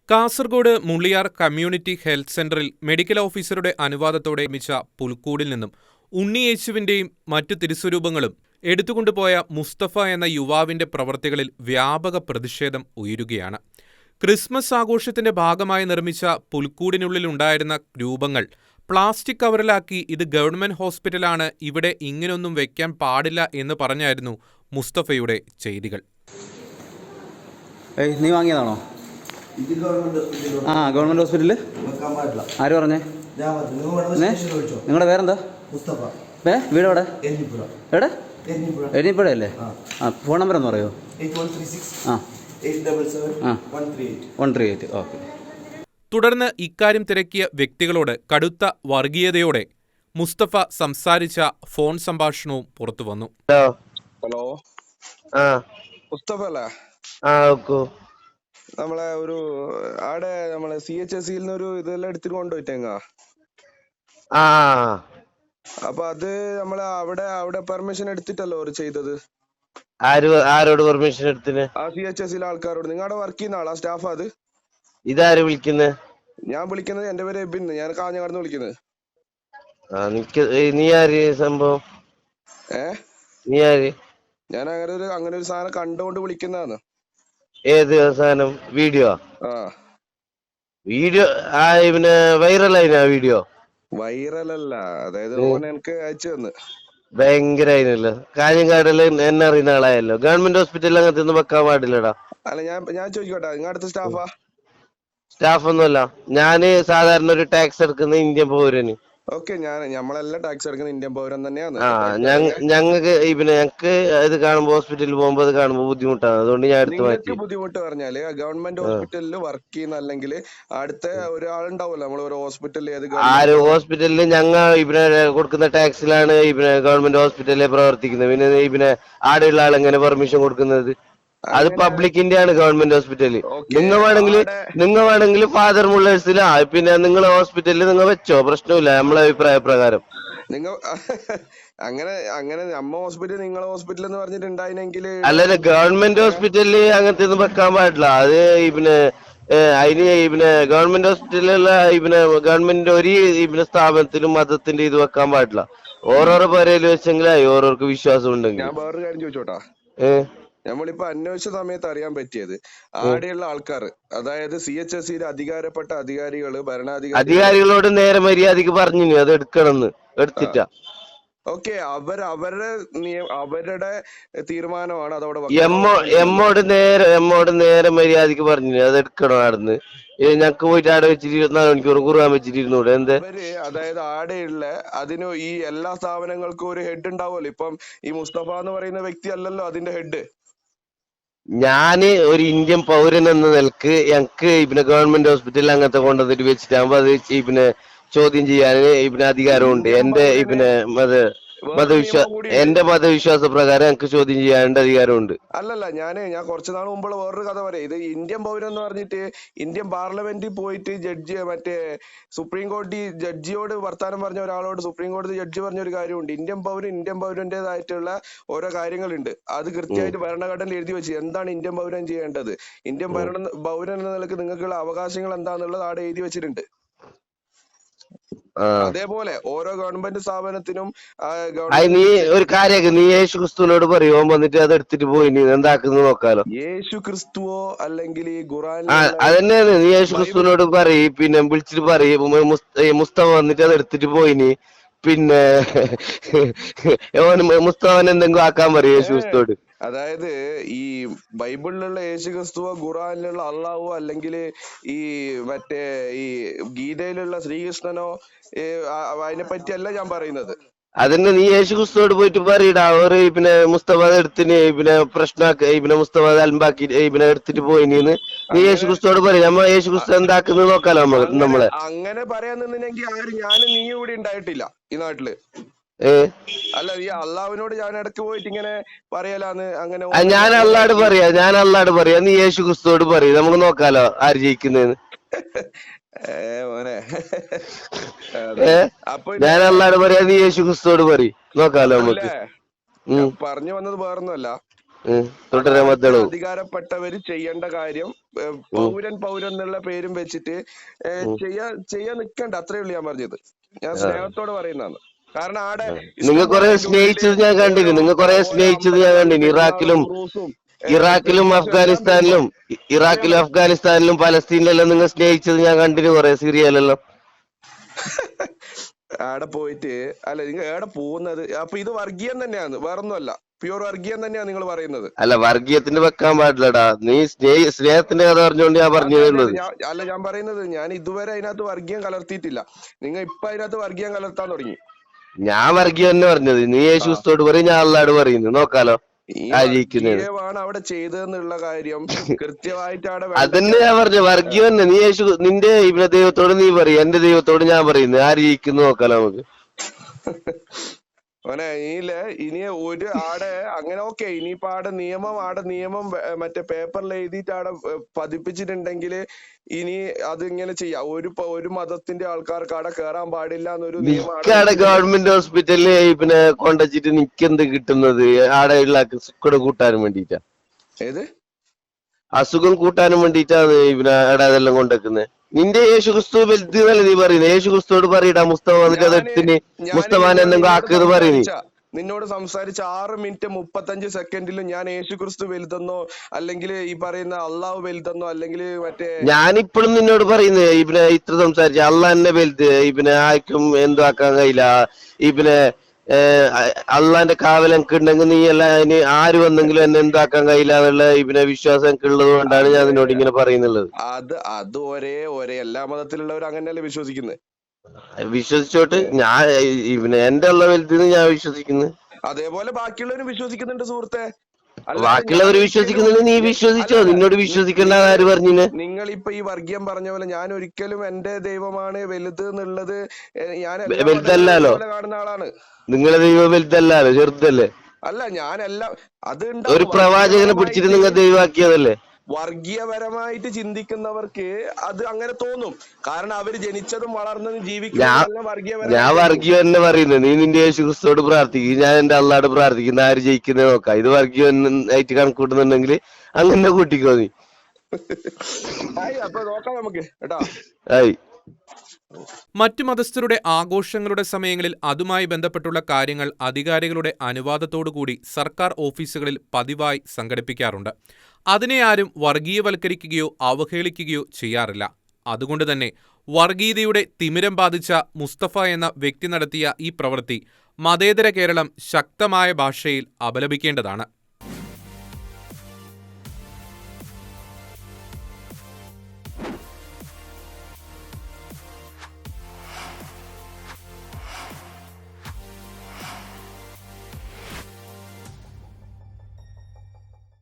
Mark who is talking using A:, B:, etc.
A: Kasaragod Mulliyar community health സെന്ററിൽ medical ഓഫീസറുടെ അനുവാദത്തോടെ നിർമ്മിച്ച പുൽക്കൂടിൽ നിന്നും ഉണ്ണിയേശുവിന്റെയും മറ്റു തിരുസ്വരൂപങ്ങളും എടുത്തുകൊണ്ടുപോയ മുസ്തഫ എന്ന യുവാവിന്റെ പ്രവൃത്തികളിൽ വ്യാപക പ്രതിഷേധം ഉയരുകയാണ്. ക്രിസ്മസ് ആഘോഷത്തിന്റെ ഭാഗമായി നിർമ്മിച്ച പുൽക്കൂടിനുള്ളിലുണ്ടായിരുന്ന രൂപങ്ങൾ പ്ലാസ്റ്റിക് കവറിലാക്കി ഇത് ഗവൺമെന്റ് ഹോസ്പിറ്റലാണ്, ഇവിടെ ഇങ്ങനൊന്നും വെക്കാൻ പാടില്ല എന്ന് പറഞ്ഞായിരുന്നു മുസ്തഫയുടെ ചെയ്തികൾ.
B: നീ വാങ്ങിയതാണോ? ഗവൺമെന്റ് ഹോസ്പിറ്റലിൽ ആര് പറഞ്ഞേ? നിങ്ങളുടെ പേരെന്താ? വീട് എവിടെ? എവിടെ? എരിഞ്ഞിപ്പുഴ അല്ലേ? ഫോൺ നമ്പർ ഒന്ന് പറയോ? 138. ഓക്കെ.
A: തുടർന്ന് ഇക്കാര്യം തിരക്കിയ വ്യക്തികളോട് കടുത്ത വർഗീയതയോടെ മുസ്തഫ സംസാരിച്ച ഫോൺ സംഭാഷണവും പുറത്തുവന്നു.
C: ഹലോ, മുസ്തഫ അല്ലേ? നമ്മളെ ഒരു ആടെ നമ്മളെ CHSE ഒരു ഇതെല്ലാം എടുത്തിട്ട് കൊണ്ടുപോയിട്ടേങ്ങ. അപ്പൊ അത് നമ്മളെ അവിടെ പെർമിഷൻ എടുത്തിട്ടല്ലോ ഒരു ചെയ്തത്.
D: ആരോട് പെർമിഷൻ എടുത്തിന്?
C: ആ CHSE ആൾക്കാരോട്. നിങ്ങളുടെ വർക്ക് ചെയ്യുന്ന ആളാ, സ്റ്റാഫാ അത്?
D: ഇതാര് വിളിക്കുന്നത്?
C: ഞാൻ വിളിക്കുന്നത്, എന്റെ പേര് എബിൻ, ഞാൻ കാഞ്ഞങ്ങാടുന്ന് വിളിക്കുന്നത്.
D: നീ ആര്? സംഭവം നീ ആര്?
C: ഞാൻ അങ്ങനെ ഒരു സാധനം കണ്ടുകൊണ്ട് വിളിക്കുന്നതാണ്.
D: ഏത് സാധനം? വീഡിയോ? വീഡിയോ പിന്നെ വൈറലായിനാ? വീഡിയോ
C: വൈറലല്ല, അതായത് എനിക്ക് അയച്ചു തന്ന്.
D: ഭയങ്കര ആയിനല്ലോ. കാഞ്ഞങ്ങാടില് എന്നെ അറിയുന്ന ആളായല്ലോ. ഗവൺമെന്റ് ഹോസ്പിറ്റലിൽ അങ്ങനത്തെ ഒന്നും വെക്കാൻ പാടില്ലടാ.
C: അല്ല, ഞാൻ ചോദിക്കട്ടെ, നിങ്ങളുടെ അടുത്ത സ്റ്റാഫാ?
D: സ്റ്റാഫ് ഒന്നുമല്ല, ഞാന് സാധാരണ ഒരു ടാക്സ് എടുക്കുന്ന ഇന്ത്യൻ പൗരന്.
C: ഓക്കെ, നമ്മളെല്ലാം ടാക്സ് എടുക്കുന്ന ഇന്ത്യൻ പൗരൻ തന്നെയാണ്.
D: ഞങ്ങൾക്ക് ഇത് കാണുമ്പോ ഹോസ്പിറ്റലിൽ പോകുമ്പോ അത് കാണുമ്പോ ബുദ്ധിമുട്ടാണ്, അതുകൊണ്ട് ഞാൻ എടുത്ത് മാറ്റി.
C: ബുദ്ധിമുട്ട് പറഞ്ഞാല് ഗവൺമെന്റ് ഹോസ്പിറ്റലിൽ വർക്ക് ചെയ്യുന്ന അല്ലെങ്കിൽ അടുത്ത ഒരാളുണ്ടാവുമല്ലോ നമ്മൾ ഒരു ഹോസ്പിറ്റലിൽ.
D: ഹോസ്പിറ്റലിൽ ഞങ്ങൾ കൊടുക്കുന്ന ടാക്സിലാണ് ഗവൺമെന്റ് ഹോസ്പിറ്റലിൽ പ്രവർത്തിക്കുന്നത്. പിന്നെ ആടെയുള്ള ആളെങ്ങനെ പെർമിഷൻ കൊടുക്കുന്നത്? അത് പബ്ലിക്കിന്റെ ആണ് ഗവൺമെന്റ് ഹോസ്പിറ്റല്. നിങ്ങൾ വേണമെങ്കിൽ ഫാദർ മുള്ളേഴ്സിലാ, പിന്നെ നിങ്ങളെ ഹോസ്പിറ്റലിൽ നിങ്ങൾ വെച്ചോ, പ്രശ്നമില്ല. നമ്മളെ അഭിപ്രായ പ്രകാരം
C: നിങ്ങൾ അങ്ങനെ നമ്മ ഹോസ്പിറ്റൽ നിങ്ങളെ ഹോസ്പിറ്റൽ എന്ന് പറഞ്ഞിട്ടുണ്ടായിരുന്നെങ്കിൽ.
D: അല്ല, ഗവൺമെന്റ് ഹോസ്പിറ്റലില് അങ്ങനത്തെ ഒന്നും വെക്കാൻ പാടില്ല. അത് അതിന് ഗവൺമെന്റ് ഹോസ്പിറ്റലിലുള്ള ഗവൺമെന്റ് ഒരു സ്ഥാപനത്തിലും മതത്തിന്റെ ഇത് വെക്കാൻ പാടില്ല. ഓരോരോ പേരേല് വെച്ചെങ്കിലായി ഓരോർക്ക് വിശ്വാസം ഉണ്ടെങ്കിൽ.
C: ഞാൻ വേറൊരു കാര്യം ചോദിച്ചോട്ടാ. നമ്മളിപ്പോ അന്വേഷിച്ച സമയത്ത് അറിയാൻ പറ്റിയത് ആടെയുള്ള ആൾക്കാർ, അതായത് CHSE അധികാരപ്പെട്ട അധികാരികള്,
D: അധികാരികളോട് നേരെ മര്യാദക്ക് പറഞ്ഞു അത് എടുക്കണമെന്ന്. എടുത്തിട്ടാ
C: ഓക്കെ, അവരുടെ തീരുമാനമാണ് അതവിടെ.
D: എമ്മോട് നേരെ മര്യാദക്ക് പറഞ്ഞു അത് എടുക്കണം. ആടുന്ന് ഞങ്ങക്ക് പോയിട്ട് ആടെ വെച്ചിട്ട് 24 മണിക്കൂർ കുറുവാൻ വെച്ചിട്ടിരുന്നൂടെ?
C: അതായത് ആടെയുള്ള അതിന് ഈ എല്ലാ സ്ഥാപനങ്ങൾക്കും ഒരു ഹെഡ് ഉണ്ടാവുമല്ലോ. ഇപ്പം ഈ മുസ്തഫ എന്ന് പറയുന്ന വ്യക്തി അല്ലല്ലോ അതിന്റെ ഹെഡ്.
D: ഞാന് ഒരു ഇന്ത്യൻ പൗരൻ എന്ന നിലക്ക് ഞങ്ങക്ക് ഗവൺമെന്റ് ഹോസ്പിറ്റലിൽ അങ്ങനത്തെ കൊണ്ടുവന്നിട്ട് വെച്ചിട്ടാകുമ്പോ അത് ചോദ്യം ചെയ്യാൻ അധികാരമുണ്ട്. എന്റെ മതവിശ്വാസ പ്രകാരം ഞങ്ങക്ക് ചോദ്യം ചെയ്യാനുള്ള അധികാരമുണ്ട്.
C: അല്ലല്ല, ഞാൻ കുറച്ചു നാൾ മുമ്പുള്ള വേറൊരു കഥ പറയാം. ഇത് ഇന്ത്യൻ പൗരൻ എന്ന് പറഞ്ഞിട്ട് ഇന്ത്യൻ പാർലമെന്റിൽ പോയിട്ട് മറ്റേ സുപ്രീം കോടതി ജഡ്ജിയോട് വർത്താനം പറഞ്ഞ ഒരാളോട് സുപ്രീം കോടതി ജഡ്ജി പറഞ്ഞ ഒരു കാര്യമുണ്ട്. ഇന്ത്യൻ പൗരന്റേതായിട്ടുള്ള ഓരോ കാര്യങ്ങളുണ്ട്. അത് കൃത്യമായിട്ട് ഭരണഘടനയിൽ എഴുതി വെച്ച് എന്താണ് ഇന്ത്യൻ പൗരൻ ചെയ്യേണ്ടത്, ഇന്ത്യൻ പൗരൻ എന്ന നിലക്ക് നിങ്ങൾക്കുള്ള അവകാശങ്ങൾ എന്താന്നുള്ളത് അവിടെ എഴുതി വെച്ചിട്ടുണ്ട്. അതേപോലെ ഓരോ ഗവൺമെന്റ് സ്ഥാപനത്തിനും
D: നീ ഒരു കാര്യം, നീ യേശു ക്രിസ്തുവിനോട് പറയുമോ വന്നിട്ട് അത് എടുത്തിട്ട് പോയി നീ എന്താക്കുന്നു നോക്കാലോ.
C: യേശു ക്രിസ്തുവോ അല്ലെങ്കിൽ ഈ ഖുറാൻ
D: അതന്നെയാണ്. നീ യേശു ക്രിസ്തുവിനോട് പറയും, പിന്നെ വിളിച്ചിട്ട് പറയും മുസ്തഫ വന്നിട്ട് അത് എടുത്തിട്ട് പോയിനി, പിന്നെ മുസ്തഫൻ എന്തെങ്കിലും ആക്കാൻ പറയും യേശു ക്രിസ്തുവോട്.
C: അതായത് ഈ ബൈബിളിലുള്ള യേശു ക്രിസ്തുവോ ഖുറാനിലുള്ള അള്ളാഹുവോ അല്ലെങ്കിൽ ഈ മറ്റേ ഈ ഗീതയിലുള്ള ശ്രീകൃഷ്ണനോ അതിനെ പറ്റിയല്ല ഞാൻ പറയുന്നത്.
D: അതന്നെ, നീ യേശു ക്രിസ്തുവോട് പോയിട്ട് പറയടാ, ഒരു മുസ്തഫ എടുത്തിന് പ്രശ്നമാക്കി മുസ്തഫ അൽമ്പാക്കി എടുത്തിട്ട് പോയിന്ന് നീ യേശു ക്രിസ്തുവോട് പറയും. നമ്മ യേശു ക്രിസ്തു എന്താക്കുന്നത് നോക്കാലോ നമ്മളെ.
C: അങ്ങനെ പറയാൻ നിന്നെങ്കിൽ ഞാനും നീ ഇവിടെ ഉണ്ടായിട്ടില്ല ഈ നാട്ടില്. അല്ല, ഈ അള്ളാഹുവിനോട് ഞാൻ ഇടയ്ക്ക് പോയിട്ട് ഇങ്ങനെ പറയലാന്ന്. അങ്ങനെ
D: ഞാൻ അള്ളാഹോട് പറയാ, നീ യേശു ക്രിസ്തുവോട് പറയും, നമുക്ക് നോക്കാലോ ആര് ജയിക്കുന്നതെന്ന്.
C: മോനെ,
D: ഞാൻ അള്ളാഹോട് പറയാ, നീ യേശു ക്രിസ്തുവോട് പറയും, നോക്കാലോ നമുക്ക്.
C: പറഞ്ഞു വന്നത് വേറൊന്നുമല്ല.
D: തുടരാൻ മദ്ദളവും
C: അധികാരപ്പെട്ടവര് ചെയ്യേണ്ട കാര്യം പൗരൻ എന്നുള്ള പേരും വെച്ചിട്ട് ചെയ്യാൻ നിക്കണ്ട. അത്രേ ഉള്ളൂ ഞാൻ പറഞ്ഞത്. ഞാൻ സ്നേഹത്തോടെ പറയുന്നതാണ്. കാരണം ആടെ
D: നിങ്ങൾ കുറെ സ്നേഹിച്ചത് ഞാൻ കണ്ടിന്, നിങ്ങൾ കുറെ സ്നേഹിച്ചത് ഞാൻ കണ്ടിന്. ഇറാഖിലും അഫ്ഗാനിസ്ഥാനിലും പലസ്തീനിലെല്ലാം നിങ്ങൾ സ്നേഹിച്ചത് ഞാൻ കണ്ടിന്, കുറെ സീരിയലെല്ലാം.
C: ആടെ പോയിട്ട് അല്ല നിങ്ങൾ എവിടെ പോകുന്നത്? അപ്പൊ ഇത് വർഗീയം തന്നെയാണ്, വേറൊന്നുമല്ല. പ്യൂർ വർഗീയം തന്നെയാണ് നിങ്ങൾ പറയുന്നത്.
D: അല്ല, വർഗീയത്തിന് വെക്കാൻ പാടില്ലടാ. നീ സ്നേഹത്തിന്റെ കഥ പറഞ്ഞുകൊണ്ട് ഞാൻ പറഞ്ഞത്.
C: അല്ല, ഞാൻ പറയുന്നത് ഞാൻ ഇതുവരെ അതിനകത്ത് വർഗീയം കലർത്തിയിട്ടില്ല. നിങ്ങൾ ഇപ്പൊ അതിനകത്ത് വർഗീയം കലർത്താൻ തുടങ്ങി.
D: ഞാൻ വർഗീയം തന്നെ പറഞ്ഞത്. നീ യേശുസ്തോട് പറയും, ഞാൻ അള്ളാട് പറയുന്നു. നോക്കാലോ
C: ആണ് അവിടെ ചെയ്തെന്നുള്ള കാര്യം കൃത്യമായിട്ട് അവിടെ
D: അതന്നെ ഞാൻ പറഞ്ഞു. വർഗീയം തന്നെ. നീ നിന്റെ ഇവിടെ ദൈവത്തോട് നീ പറയും, എന്റെ ദൈവത്തോട് ഞാൻ പറയുന്നു. ആര് ജയിക്കുന്നു നോക്കാലോ നമുക്ക്.
C: ഓനെ ഇനി ഒരു ആടെ അങ്ങനെ ഓക്കെ. ഇനിയിപ്പോ ആടെ നിയമം മറ്റേ പേപ്പറിൽ എഴുതിയിട്ട് ആടെ പതിപ്പിച്ചിട്ടുണ്ടെങ്കിൽ ഇനി അത് ഇങ്ങനെ ചെയ്യാം. ഒരു മതത്തിന്റെ ആൾക്കാർക്ക് ആടെ കേറാൻ പാടില്ല എന്നൊരു നിയമം
D: ഗവൺമെന്റ് ഹോസ്പിറ്റലില് പിന്നെ കൊണ്ടുവച്ചിട്ട് നിക്കെന്ത് കിട്ടുന്നത്? ആടെ ഉള്ള അസുഖം കൂട്ടാനും വേണ്ടിട്ടാ.
C: ഏത്
D: അസുഖം കൂട്ടാനും വേണ്ടിട്ടാണ് പിന്നെ ആടെ അതെല്ലാം കൊണ്ടുവെക്കുന്നത്. നിന്റെ യേശു ക്രിസ്തു വലുത് എന്നല്ലേ നീ പറയുന്നത്? യേശു ക്രിസ്തുവോട് പറയടാ, മുസ്തഫ വന്നിട്ട് അതെടുത്തിന് മുസ്തഫാനെ എന്തെങ്കിലും ആക്കിയത് പറയുന്നത്.
C: നിന്നോട് സംസാരിച്ച 6 മിനിറ്റ് 35 സെക്കൻഡിലും ഞാൻ യേശു ക്രിസ്തു വലുതെന്നോ അല്ലെങ്കിൽ ഈ പറയുന്ന അള്ളാഹു വലുതെന്നോ അല്ലെങ്കിൽ മറ്റേ
D: ഞാനിപ്പോഴും നിന്നോട് പറയുന്നത് ഇവനെ ഇത്ര സംസാരിച്ച അള്ളാഹ് എന്നെ വലുത്, ഇവനെ ആർക്കും എന്തും ആക്കാൻ കഴിയില്ല. ഇവനെ അള്ളാന്റെ കാവൽ എനിക്ക് ഉണ്ടെങ്കിൽ നീ എല്ലാം അതിന് ആര് വന്നെങ്കിലും എന്നെ എന്താക്കാൻ കഴിയില്ല എന്നുള്ള ഇവനെ വിശ്വാസം എനിക്ക് ഉള്ളത് കൊണ്ടാണ് ഞാൻ നിന്നോട് ഇങ്ങനെ പറയുന്നുള്ളത്.
C: അത് ഒരേ എല്ലാ മതത്തിലുള്ളവർ അങ്ങനെയല്ലേ വിശ്വസിക്കുന്നത്.
D: വിശ്വസിച്ചോട്ട് ഞാൻ ഇവനെ എന്റെ ഉള്ള വലുതെന്ന് ഞാൻ വിശ്വസിക്കുന്നു.
C: അതേപോലെ ബാക്കിയുള്ളവരും വിശ്വസിക്കുന്നുണ്ട് സുഹൃത്തെ.
D: ബാക്കിയുള്ളവർ വിശ്വസിക്കുന്നത് നീ വിശ്വസിച്ചോ? നിന്നോട് വിശ്വസിക്കേണ്ട ആര് പറഞ്ഞിന്?
C: നിങ്ങൾ ഇപ്പൊ ഈ വർഗീയം പറഞ്ഞ പോലെ ഞാൻ ഒരിക്കലും എന്റെ ദൈവമാണ് വലുത് എന്നുള്ളത് ഞാൻ
D: വലുതല്ലോ
C: കാണുന്ന ആളാണ്.
D: നിങ്ങളെ ദൈവം വലുതല്ലോ, ചെറുതല്ലേ?
C: അല്ല, ഞാനെല്ലാം അത്
D: ഒരു പ്രവാചകനെ പിടിച്ചിട്ട് നിങ്ങൾ ദൈവമാക്കിയതല്ലേ?
C: വർഗീയപരമായിട്ട് ചിന്തിക്കുന്നവർക്ക് അത് അങ്ങനെ തോന്നും. കാരണം അവര് ജനിച്ചതും വളർന്നതും ജീവിക്കുന്നതും
D: ഞാൻ വർഗീയം തന്നെ പറയുന്നത്. നീ നിന്റെ യേശു ക്രിസ്തുവോട് പ്രാർത്ഥിക്കും, ഞാൻ എന്റെ അള്ളാട് പ്രാർത്ഥിക്കുന്ന ആര് ജയിക്കുന്നത് നോക്കാം. ഇത് വർഗീയം ആയിട്ട് കണക്കൂട്ടുന്നുണ്ടെങ്കിൽ അങ്ങനെ കൂട്ടിക്കോ നീ.
C: അപ്പൊ നോക്കാം നമുക്ക് കേട്ടോ.
A: മറ്റു മതസ്ഥരുടെ ആഘോഷങ്ങളുടെ സമയങ്ങളിൽ അതുമായി ബന്ധപ്പെട്ടുള്ള കാര്യങ്ങൾ അധികാരികളുടെ അനുവാദത്തോടുകൂടി സർക്കാർ ഓഫീസുകളിൽ പതിവായി സംഘടിപ്പിക്കാറുണ്ട്. അതിനെ ആരും വർഗീയവൽക്കരിക്കുകയോ അവഹേളിക്കുകയോ ചെയ്യാറില്ല. അതുകൊണ്ട് തന്നെ വർഗീയതയുടെ തിമിരം ബാധിച്ച മുസ്തഫ എന്ന വ്യക്തി നടത്തിയ ഈ പ്രവൃത്തി മതേതര കേരളം ശക്തമായ ഭാഷയിൽ അപലപിക്കേണ്ടതാണ്.